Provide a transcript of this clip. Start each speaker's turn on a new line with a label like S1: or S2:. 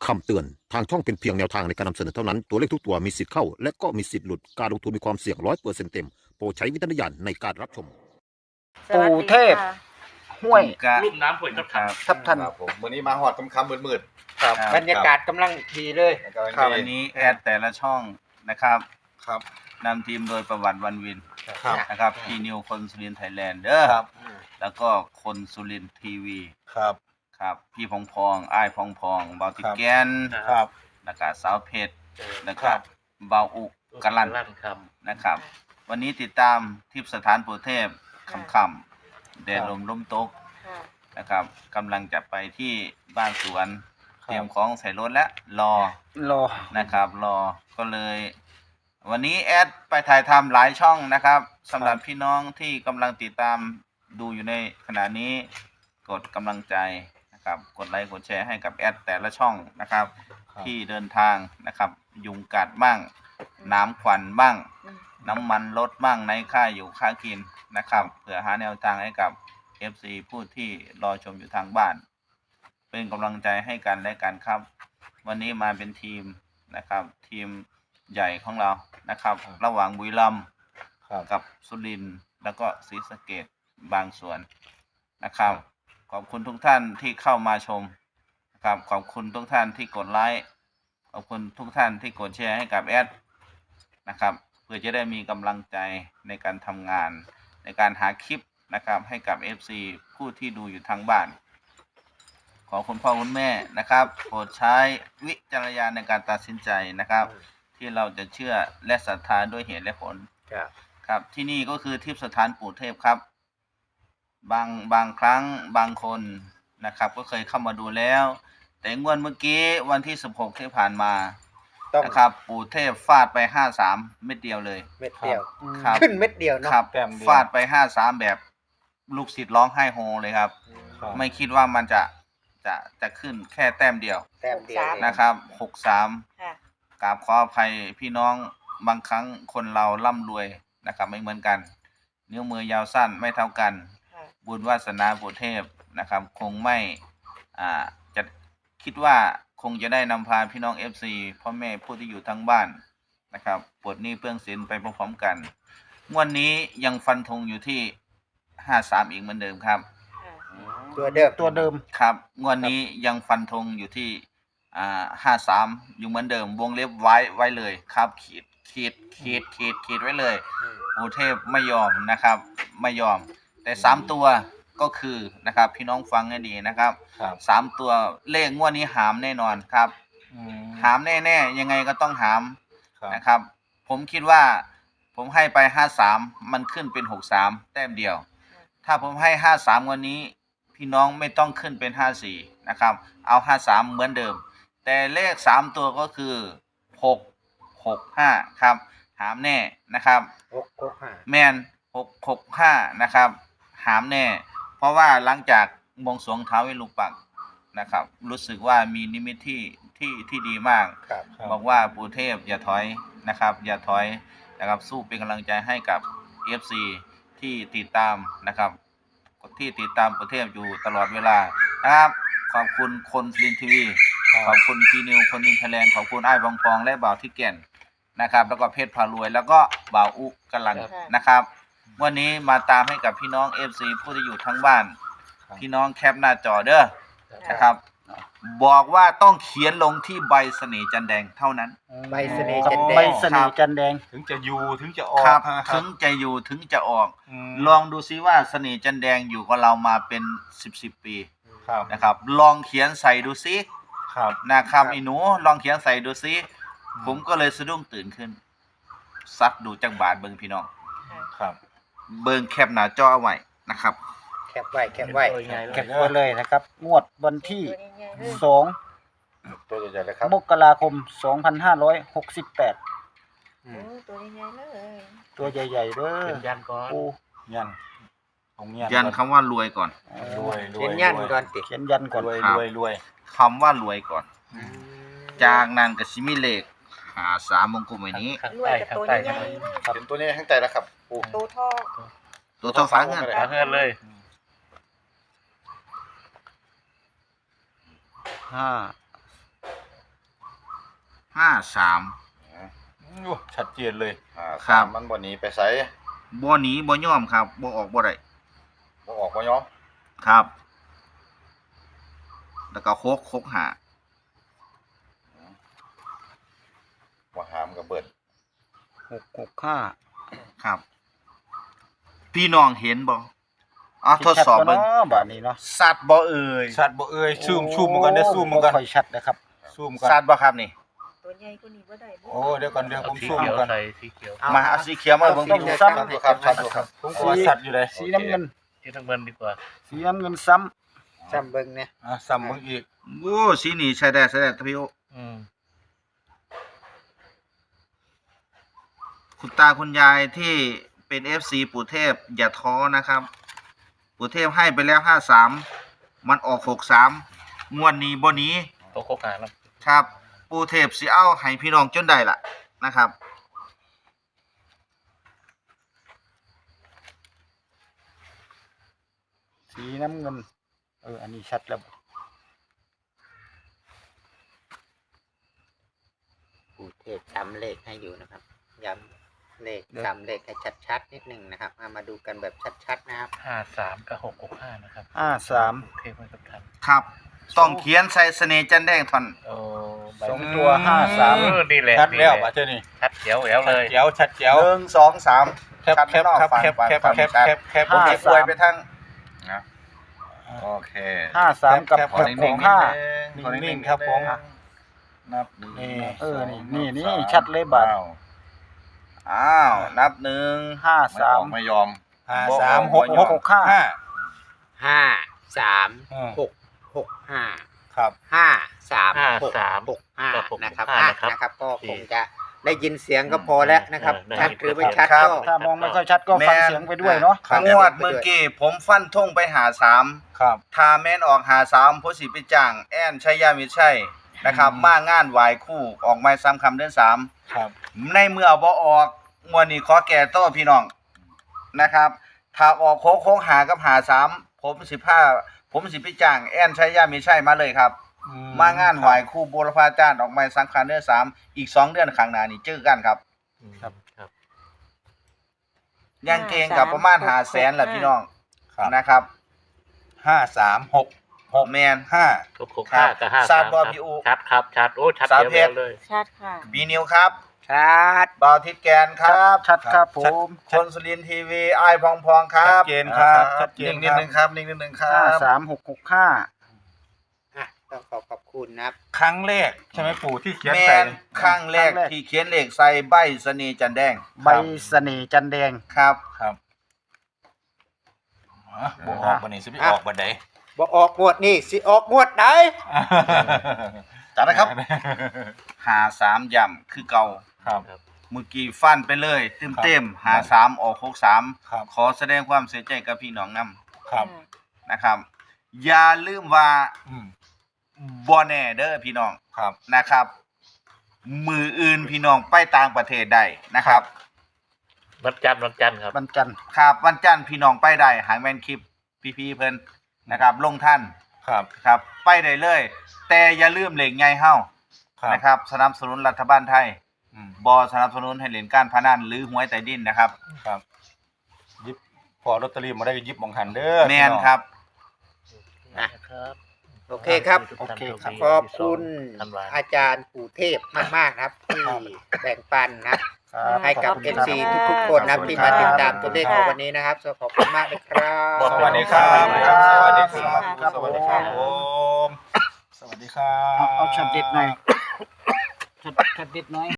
S1: คำเตือนทางช่องเป็นเพียงแนวทางในการนำเสนอเท่านั้นตัวเลขทุกตัวมีสิทธิ์เข้าและก็มีสิทธิ์หลุดการลงทุนมีความเสี่ยง100%เต็มโปรดใช้วิจารณญาณในการรับชม
S2: ปู่เทพ ห้วย
S3: รุ่มน้ำห้วยทับทัน
S2: ทับทัน
S4: ครับผมวันนี้มาหอดค่ำๆมืด
S2: ครับ
S4: ครับ
S2: บรรยากาศกำลังดีเลย
S4: ๆแล้วก็
S2: ครับ
S5: วันนี้แอดแต่ละช่องนะครับ
S4: ครับ
S5: นำทีมโดยประวัติวันวิน
S4: ครับ
S5: นะครับพี่นิวคนสุรินทร์ไทยแลนด์เด้อ
S4: ครับ
S5: แล้วก็คนสุรินทร์ทีวี
S4: ครับ
S5: ครับพี่พองพองอ้ายพองพองเบาติแกน
S4: ครับ
S5: แล้วก็สาวเพชรแล้ว
S4: ค
S5: ก็
S4: รับ
S5: เบาอุกกะลัน
S3: ครับ
S5: นะครับ วันนี้ติดตามทิพย์สถานปู่เทพค่ำๆแดดลมลมตกนะครับกำลังจะไปที่บ้านสวน เตรียมของใส่รถและรอ
S2: รอ
S5: นะครับรอก็เลย วันนี้แอดไปถ่ายทำหลายช่องนะครับสำหรับพี่น้องที่กำลังติดตามดูอยู่ในขณะนี้กดกำลังใจนะครับกดไลค์กดแชร์ให้กับแอดแต่ละช่องนะครับ ที่เดินทางนะครับยุงกัดบ้างน้ำควันบ้างน้ำมันลดบ้างในค่าอยู่ค่ากินนะครับเพื่อหาแนวทางให้กับ FC ผู้ที่รอชมอยู่ทางบ้าน เป็นกำลังใจให้กันและกันครับ วันนี้มาเป็นทีมนะครับ ทีมใหญ่ของเรานะครับ ระหว่างบุรีรัมย์
S4: ครับ
S5: กับสุรินทร์แล้วก็ศรีสะเกษบางส่วนนะครับ ขอบคุณทุกท่านที่เข้ามาชมนะครับขอบคุณทุกท่านที่กดไลค์ขอบคุณทุกท่านที่กดแชร์ให้กับแอดนะครับเพื่อจะได้มีกำลังใจในการทำงาน ในการหาคลิปนะครับให้กับ FC ผู้ที่ดูอยู่ทางบ้าน ขอคุณพ่อคุณแม่นะครับโปรดใช้วิจารณญาณในการตัดสินใจนะครับ ที่เราจะเชื่อและศรัทธาด้วยเหตุและผล
S2: ครับ
S5: ครับที่นี่ก็คือทิพย์สถานปู่เทพครับบางครั้งบางคนนะครับ ก็เคยเข้ามาดูแล้ว แต่งวดเมื่อกี้วันที่16ที่ผ่านมา
S2: ต้อง
S5: นะครับปู่เทพฟาดไป53เม็ดเดียวเลย
S2: เม็ดเดียว
S5: ครับ
S2: ขึ้นเม็ดเดียวเนาะ
S5: ครับ
S4: แต้มเดียว
S5: ฟาดไป53แบบลูกศิษย์ร้องไห้โฮเลยครับ
S4: ครับ
S5: ไม่คิดว่ามันจะขึ้นแค่แต้มเดียว
S2: แต้มเดียว
S5: นะครับ
S6: ค่ะ
S5: 63กราบขออภัยพี่น้องบางครั้งคนเราร่ำรวยนะครับไม่เหมือนกัน นิ้วมือยาวสั้นไม่เท่ากัน
S6: ค่ะ
S5: บุญวาสนาปู่เทพนะครับ คงไม่จะคิดว่าคงจะได้นำพาพี่น้อง FC พ่อแม่ผู้ที่อยู่ทั้งบ้านนะครับปลดหนี้เปลื้องสินไปพร้อมๆกันงวดนี้ยังฟันธงอยู่ที่53อีกเหมือนเดิมครับ
S6: ค่ะ
S2: ตัวเดิม
S7: ตัวเดิม
S5: ครับงวดนี้ยังฟันธงอยู่ที่53อยู่เหมือนเดิมวงเล็บไว้เลยครับขีดไว้เลยปู่เทพไม่ยอมนะครับไม่ยอมแต่3ตัวก็คือนะครับพี่น้องฟังให้ดีนะครับ
S4: ครับ
S5: 3ตัวเลขงวดนี้หามแน่นอนครับ หามแน่ๆยังไงก็ต้องหาม
S4: ครับ
S5: นะครับ ผมคิดว่าผมให้ไป53มันขึ้นเป็น63แต้มเดียว ถ้าผมให้53วันนี้พี่น้องไม่ต้องขึ้นเป็น54นะครับเอา53เหมือนเดิม แต่เลข3ตัวก็คือ665ครับหามแน่นะครับ
S2: 665
S5: แมน665นะครับหามแน่ เพราะว่าหลังจากบวงสรวงท้าวเวสสุวรรณปักษ์นะครับ รู้สึกว่ามีนิมิตที่ดีมาก
S2: ครับ
S5: บอกว่าปู่เทพอย่าถอยนะครับ อย่าถอยนะครับสู้เป็นกำลังใจให้กับ FC ที่ติดตามนะครับที่ติดตามปู่เทพอยู่ตลอดเวลานะครับขอบคุณคนสุรินทร์ทีวีขอบคุณพีนิวคนนินไทยแลนด์ขอบคุณไอ้ายบองปองและบ่าวที่แก่นนะครับ แล้วก็เพชรพารวยแล้วก็บ่าวอุกลันนะครับ วันนี้มาตามให้กับพี่น้อง FC ผู้ที่อยู่ทั้งบ้าน พี่น้องแคปหน้าจอเด้อนะครับ บอกว่าต้องเขียนลงที่ใบเสน่ห์จันแดงเท่านั้น
S2: ใบเสน่ห์จันแด
S7: ใบ
S2: ง
S7: เสน่ห์จันแดง
S4: ถึงจะอยู่ถึงจะออก
S5: ครับ
S4: นะค
S5: ถึ
S4: รับ
S5: งจะอยู่ถึงจะออก
S4: ม
S5: ลองดูซิว่าเสน่ห์จันแดงอยู่กับเรามาเป็น10ปี
S4: ครับ
S5: นะครับ ลองเขียนใส่ดูซิ
S4: ครับ
S5: นะครับไอ้หนูลองเขียนใส่ดูซิผมก็เลยสะดุ้งตื่นขึ้นซักดูจังบาทเบิ่งพี่น้อง
S4: ครับ
S5: เบิ่งแคปหน้าจอเอาไว้นะครับ
S2: แคปไว้แคปไว้
S7: เก็บไว้เลยนะครับ งวดวันที่
S6: ตัวใหญ่ๆเลย
S7: 2
S4: ตัวใหญ่ๆเลยครับ
S7: มกราคม 2568
S6: โอ้ตัวใหญ่ๆเลย
S7: ตัวใหญ่ๆเด้อ
S3: เป็นยันก่อน
S7: ปู
S4: ยันของยัน
S5: ยันคำว่ารวยก่อน
S4: รวยรวย
S2: เขียนยันก่อนติ
S7: เขียนยันก่อน
S4: รวย
S5: ครับ
S4: รวยรวย
S5: คำว่ารวยก่อน จากนั้นก็สิมีเลข53มงกุฎไว้นี้
S3: ข้าง
S6: รวย
S3: ใต้
S6: กับ
S3: ข้าง
S6: ตัว
S3: ใต้
S6: ใหญ่ๆเลย
S4: เป็นตัวนี้ข้างใจแล้วครับปู
S6: ตัวทอง
S5: ตัวเท่าฟ้าเงิน
S3: ขาเงินเลย
S7: ห้า
S5: 53
S4: ชัดเจนเลย
S5: ครับ
S4: มันบ่หนีไปไส
S5: บ่หนีบ่ยอมครับบ่ออกบ่ได้
S4: บ่ออกบ่ยอม
S5: ครับ แล้วก็โคกหา
S4: บ่หามกับเบิด
S7: 665
S5: ครับ พี่น้องเห็นบ่ทดสอบเบิ่ง
S7: ชับ่เนาะบัดนี้เนาะ
S5: สัตว์บ่เอ่ย
S4: ชัดบ่เอ่ยซูมมันกันได้ซูมมันกัน
S7: บ่ค่อยชัดนะครับ
S4: ซูมกัน
S5: สัตว์บ่ครับนี่
S6: ตัวใหญ่กว่านี้บ่ได้บ่
S4: โอ้เดี๋ยวก่อนเดี๋ยวผม
S3: สี
S4: ซูม
S3: เขียว
S4: กัน
S3: ใส่สีเขียว
S5: มาเอาสีเขียวมาเบิ่ง
S7: ต้
S5: พี่
S7: อง
S5: น้อง
S7: ซ้ำ
S4: ครับชัดอยู่ครับผมก็ว่าชัดอยู่เลย
S7: สีน้ำเงิน
S3: ที่ทั้งเงินดีกว่า
S7: สีน้ำเงินซ้ำ
S2: จำเบิ่งเนี่ย
S4: ซ้ำมึงอีก
S5: โอ้สีนี่ใช้ได้พี่โอ
S3: อืม
S5: คุณตาคุณยายที่เป็น FC ปู่เทพอย่าท้อนะครับ ปู่เทพให้ไปแล้ว53มันออก63งวดนี้บ่หนี้
S3: ตัวโคกหาแล้ว
S5: ครับ ปู่เทพสิเอาให้พี่น้องจนได้ล่ะนะครับ
S7: สีน้ำเงินอันนี้ชัดแล้ว
S2: ปู่เทพจำเลขให้อยู่นะครับย้ำเลขจำเลขให้ชัดๆนิดนึงนะครับมาดูกันแบบชัดๆนะครับ
S3: 53 กับ 665 นะครับ
S7: 53
S3: เทพให้กับท่าน
S5: ครับ ต้องเขียนใส่เสน่ห์จันแดงท่อน
S3: โอ้ใบ
S7: สองตัว53
S3: นี่แหละ
S4: ชัดแล้ว
S3: นี่ห
S4: ป่ะ
S3: ละ
S4: เจ้านี่
S3: ชัดเขียวแหววเลย
S4: เจ๋วชัดเจ๋ว
S5: 1 2 3
S4: แคปแคปครับแคปแคปแคปแคปแคป
S5: ผมจะป่วยไปทั้ง
S4: นะโอเค
S7: 53กับ
S4: แคปขอนิ่งๆ
S7: 65
S4: ขอนิ่งๆครับผมนับ
S7: นี่
S4: นี่
S7: นี่ชัดเลยบาด
S5: อ้าวนับ1
S4: ไม่ยอม
S5: 53
S7: 65
S2: 53665
S4: ครับ
S2: 53665นะครับก็คงจะได้ยินเสียงก็พอแล้วนะครับชัดหรือไม่ชัด
S5: ครับ
S2: ก็
S7: ถ้ามองไม่ค่อยชัดก็ฟังเสียงไปด้วยเนาะ
S2: ครับ
S5: งวดเมื่อกี้ผมฟันธงไป53
S4: ครับ
S5: ถ้าแม่นออก53ผู้สิไปจ้างแอนชัยยามิตรชัยนะครับ มางานไหว้ครู่ออกไม้ซ้ำคำเดือน3
S4: ครับ
S5: ในเมื่อบ่ออกงวดนี้ขอแก่โต้พี่น้องนะครับ ถ้าออกโค้งหากับ53ผมสิไปจ้างแอนชัยยามิตรชัยมาเลยครับ มางานไหว้ครู่บูรพาจารย์ออกไม้ซ้ำคำเดือน3อีก2เดือนข้างหน้านี่เจอกันครับ
S3: ครับ
S5: ยังเก่งกับประมาณ500,000แหละพี่น้อง
S4: ครับ
S5: นะครับ
S4: 536
S5: แมน
S3: ทุก65กับ
S5: ทราบ
S3: 53
S5: บ่
S3: ครับ
S5: พี่อู
S3: ชัดครับชัดโอ้ชัด
S5: สาว
S3: เขียว
S5: เพชร
S3: แหววเลย
S6: ชัดค่ะ
S5: บีนิวครับ
S2: ชัด
S5: บ่าวทิศแกนครับ
S7: ชัดครับผม
S5: คนสุรินทร์ทีวีไอ้ายพองพองครั
S4: ชั
S5: บ
S4: ดเจนครับชัดเจน
S5: นิ่งนิดนึงครับนิ่งนิดนึงครับ
S7: 53665
S2: ต้องขอบคุณนะครับ
S4: ครั้งแรกใช่ไหมปู่ที่เขียน
S5: แม
S4: ใส่
S5: นข้างแรกที่เขียนเลขใส่ใบเสน่ห์จันแดง
S7: ใบเสน่ห์จันแดง
S5: ครับ
S4: ครับบ่ออกบันนี้สิไปออกบันได
S2: บ่ออกงวดนี่สิออกงวดไหน
S5: จัดนะครับ53ย่ำคือเก่า
S4: ครับ
S5: เมื่อกี้ฟันไปเลยเต็มๆ53ออก63
S4: ครับ
S5: ขอแสดงความเสียใจกับพี่น้องนํ
S4: ครับ
S5: นะครับ อย่าลืมว่า
S4: อืม
S5: บ่แน่เด้อพี่น้อง
S4: ครับ
S5: นะครับ มืออื่นพี่น้องไปต่างประเทศได้นะครับ
S3: วันจันทร์ครับ
S7: บรรจันทร์
S5: ครับวันจันทร์พี่น้องไปได้หางแมนคลิปพี่เพิ่นนะครับ ลงท่าน
S4: ครับ
S5: ครับ ไปได้เลย แต่อย่าลืมเหล็กใหญ่เฮา
S4: ครับ
S5: นะครับ สนับสนุนรัฐบาลไทย
S4: อืม
S5: บ่สนับสนุนให้เล่นการพนันหรือหวยใต้ดินนะครับ
S4: ครับยิบพอลอตเตอรี่มาได้ก็ยิบมองหันเด้อ
S5: แม่นครับ
S3: นะครับ
S2: โอเคครับ
S3: ทุกท่านโชดี
S2: ขอบคุณ
S3: ธันวา
S2: อาจารย์ปู่เทพมากๆนะครับ ที่แบ่งปันนะครับ
S7: ครับ
S2: ให้กับ FC ทุกๆคนนะครับที่มาติดตามตัวเลขในวันนี้นะครับขอบคุณมากเลยครับ
S4: สวัสดีครับ
S7: สวัสดี
S4: ส
S7: ครับ
S4: วัสดีครับผมสวัสดีครับ
S7: เอาช็อตเด็ดหน่อยช็อตเด็ดหน่อย